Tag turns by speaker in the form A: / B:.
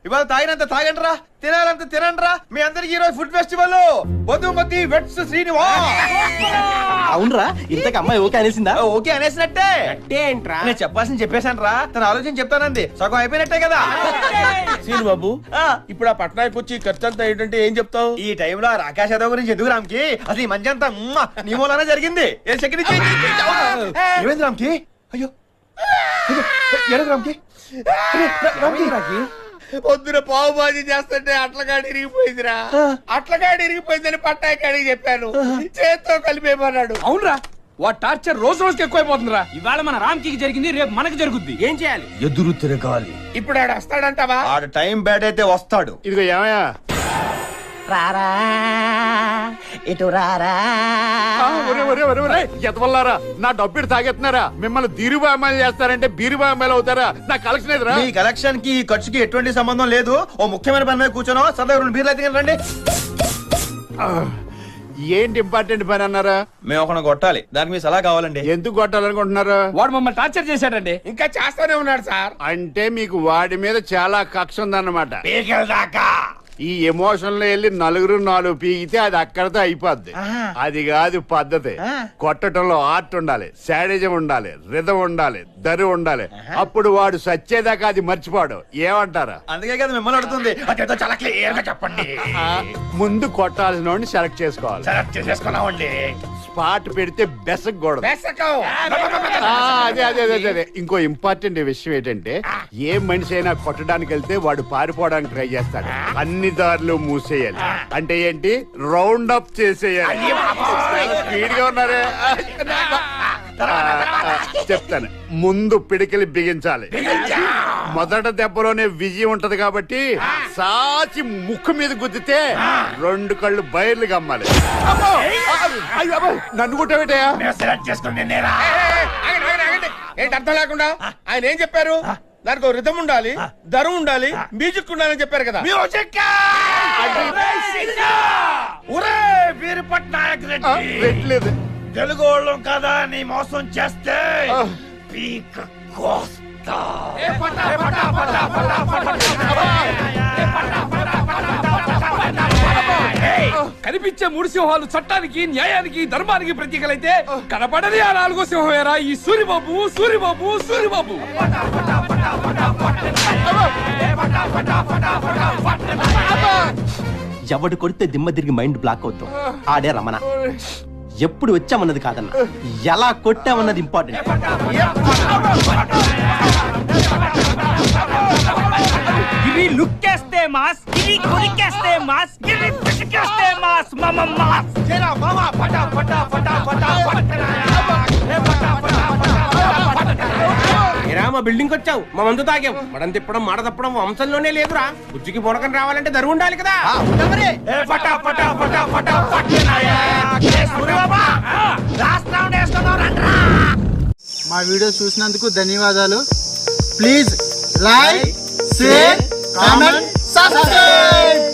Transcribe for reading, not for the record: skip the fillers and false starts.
A: ఇవాళ తాగినంత తాగండి రా, తినాలంత తినండి రా. మీ అందరికి ఈ రోజు ఫుడ్ ఫెస్టివల్ బొద్దుమతి వెట్స్ శ్రీనివాస్.
B: అవునరా, ఇంతకు అమ్మాయి ఓకే అనేసిందా?
A: ఓకే అనేసినట్టే.
B: ఏంట్రా
A: నేను చెప్పాల్సింది చెప్పేశాను రా, తన ఆలోచన చెప్తానంది. సగం అయిపోయినట్టే కదా.
C: సీను బాబు, ఇప్పుడు ఆ పట్నాయకు వచ్చి ఖర్చు అంతా ఏంటంటే ఏం చెప్తావు?
A: ఈ టైంలో రాకేష్ యాదవ్ గురించి ఎందుకు రామ్కి? అసలు ఈ మంచి అంతా నీ మూలానే జరిగింది. ఏమైంది రామ్కి? అయ్యో ఏమైంది రామ్కి?
C: పొద్దున పావు బాజీ చేస్తుంటే అట్లగాడి ఇరిగిపోయిందిరా. అట్లగాడి ఇరిగిపోయిందని పట్నాయకాడికి చెప్పాను, చేత్తో కలిపేమన్నాడు.
D: అవునరా, వాడు టార్చర్ రోజు రోజుకి ఎక్కువైపోతుందిరా. ఇవాళ మన రామ్కి జరిగింది, రేపు మనకి జరుగుద్ది. ఏం చేయాలి?
A: ఎదురు తిరగాలి.
C: ఇప్పుడు ఆడు వస్తాడంటావా?
A: ఆడు టైం బ్యాడ్ అయితే వస్తాడు.
C: ఇదిగో ఏమయ్యా,
B: రారా ఇటు రారా.
C: ఎతవల్లారా, నా డబ్బులు తాగెత్తున్నారా? మిమ్మల్ని ధీరుబామాలు చేస్తారంటే బీరుబామాలు అవుతారా? నా కలెక్షన్ ఎదురా.
A: మీ కలెక్షన్ కి ఈ ఖర్చుకి ఎటువంటి సంబంధం లేదు. ఓ ముఖ్యమైన పని మీద కూర్చోనో సదా 2 బీర్లు అయితే రండి.
C: ఏంటి ఇంపార్టెంట్ పని అన్నారా?
A: మేము ఒక కొట్టాలి, దానికి మీ సలహా కావాలండి.
C: ఎందుకు కొట్టాలనుకుంటున్నారు?
D: వాడు మమ్మల్ని టార్చర్ చేశాడండి.
C: ఇంకా చేస్తానే ఉన్నాడు సార్. అంటే మీకు వాడి మీద చాలా కక్ష ఉందన్నమాట. ఈ ఎమోషన్ లో వెళ్ళి 4 పీకితే అది అక్కడతో అయిపోద్ది. అది కాదు పద్ధతి. కొట్టడంలో ఆర్ట్ ఉండాలి, శాడిజం ఉండాలి, రిధం ఉండాలి, దరి ఉండాలి. అప్పుడు వాడు సచ్చేదాకా అది మర్చిపోడు. ఏమంటారా?
A: అందుకే కదా మిమ్మల్ని అడుగుతుంది. చాలా క్లియర్ గా చెప్పండి.
C: ముందు కొట్టాల్సిన వాడిని సెలెక్ట్ చేసుకోవాలి.
A: సెలెక్ట్ చేసేసుకున్నామండి.
C: స్పాట్ పెడితే బెసకూడదు. అదే అదే అదే అదే. ఇంకో ఇంపార్టెంట్ విషయం ఏంటంటే, ఏ మనిషి అయినా కొట్టడానికి వెళ్తే వాడు పారిపోవడానికి ట్రై చేస్తాడు. అన్ని దారులు మూసేయాలి. అంటే ఏంటి? రౌండ్ అప్ చేసేయాలి. స్పీడ్ గా ఉన్నారే. చెప్తాను. ముందు పిడికిలి బిగించాలి. మొదట దెబ్బలోనే విజయం ఉంటది కాబట్టి సాచి ముక్కు మీద గుద్దితే 2 కళ్ళు బయర్లు గమ్మాలి. నన్ను కుట్టబెట్టయా? ఏంటి అర్థం లేకుండా? ఆయన ఏం చెప్పారు? దానికి రిథం ఉండాలి, దరం ఉండాలి, మ్యూజిక్ ఉండాలని చెప్పారు కదా. పెట్టలేదు.
A: తెలుగు వాళ్ళం కదా నీ మోసం చేస్తే పీక కోస్తా.
D: కనిపించే 3 సింహాలు చట్టానికి, న్యాయానికి, ధర్మానికి ప్రతీకలైతే కనపడని ఆ 4వ సింహమేరా ఈ సూరిబాబు. సూరిబాబు సూరిబాబు
B: ఎవడు కొడితే దిమ్మ తిరిగి మైండ్ బ్లాక్ అవుతాం. ఆడే రమణ. ఎప్పుడు వచ్చామన్నది కాదన్న, ఎలా కొట్టామన్నది ఇంపార్టెంట్.
D: ఇవి లుక్కేస్తే మాస్, ఇవి కొరికేస్తే మాస్, ఇవి పిసికేస్తే మాస్. మాస్
E: మా బిల్డింగ్ వచ్చావు, మా మందు తాగావు. మడం తిప్పడం మాట తప్పడం వంశంలోనే లేదురా. బుజ్జికి బొడకని రావాలంటే దరువు ఉండాలి కదా.
F: మా వీడియో చూసినందుకు ధన్యవాదాలు. Please like, share, comment, subscribe.